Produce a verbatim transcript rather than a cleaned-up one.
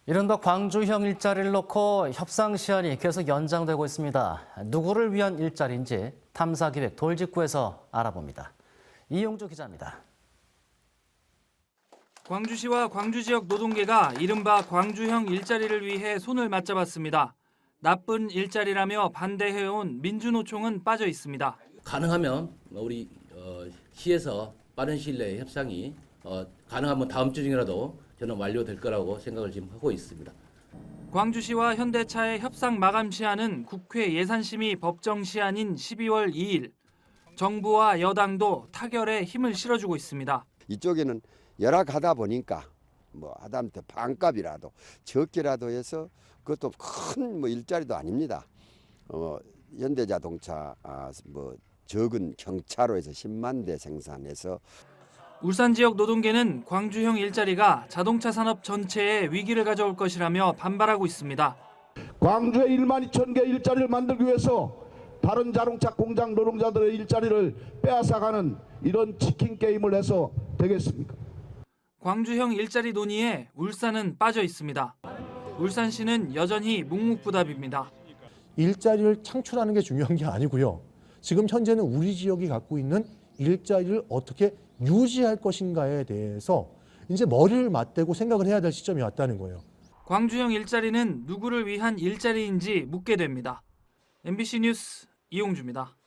이른바 광주형 일자리를 놓고 협상 시한이 계속 연장되고 있습니다. 누구를 위한 일자리인지 탐사기획 돌직구에서 알아봅니다. 이용주 기자입니다. 광주시와 광주 지역 노동계가 이른바 광주형 일자리를 위해 손을 맞잡았습니다. 나쁜 일자리라며 반대해온 민주노총은 빠져 있습니다. 가능하면 우리 어, 시에서 빠른 시일 내에 협상이 어, 가능하면 다음 주 중이라도 저는 완료될 거라고 생각을 지금 하고 있습니다. 광주시와 현대차의 협상 마감 시한은 국회 예산심의 법정 시한인 십이월 이일. 정부와 여당도 타결에 힘을 실어주고 있습니다. 이쪽에는 열악하다 보니까 뭐 하다못해 반값이라도 적게라도 해서 그것도 큰 뭐 일자리도 아닙니다. 어, 현대자동차 아, 뭐 적은 경차로에서 십만 대 생산해서 울산 지역 노동계는 광주형 일자리가 자동차 산업 전체에 위기를 가져올 것이라며 반발하고 있습니다. 광주에 일만 이천 개 일자리를 만들기 위해서 다른 자동차 공장 노동자들의 일자리를 빼앗아가는 이런 치킨 게임을 해서 되겠습니까? 광주형 일자리 논의에 울산은 빠져 있습니다. 울산시는 여전히 묵묵부답입니다. 일자리를 창출하는 게 중요한 게 아니고요. 지금 현재는 우리 지역이 갖고 있는 일자리를 어떻게 유지할 것인가에 대해서 이제 머리를 맞대고 생각을 해야 될 시점이 왔다는 거예요. 광주형 일자리는 누구를 위한 일자리인지 묻게 됩니다. 엠비씨 뉴스 이용주입니다.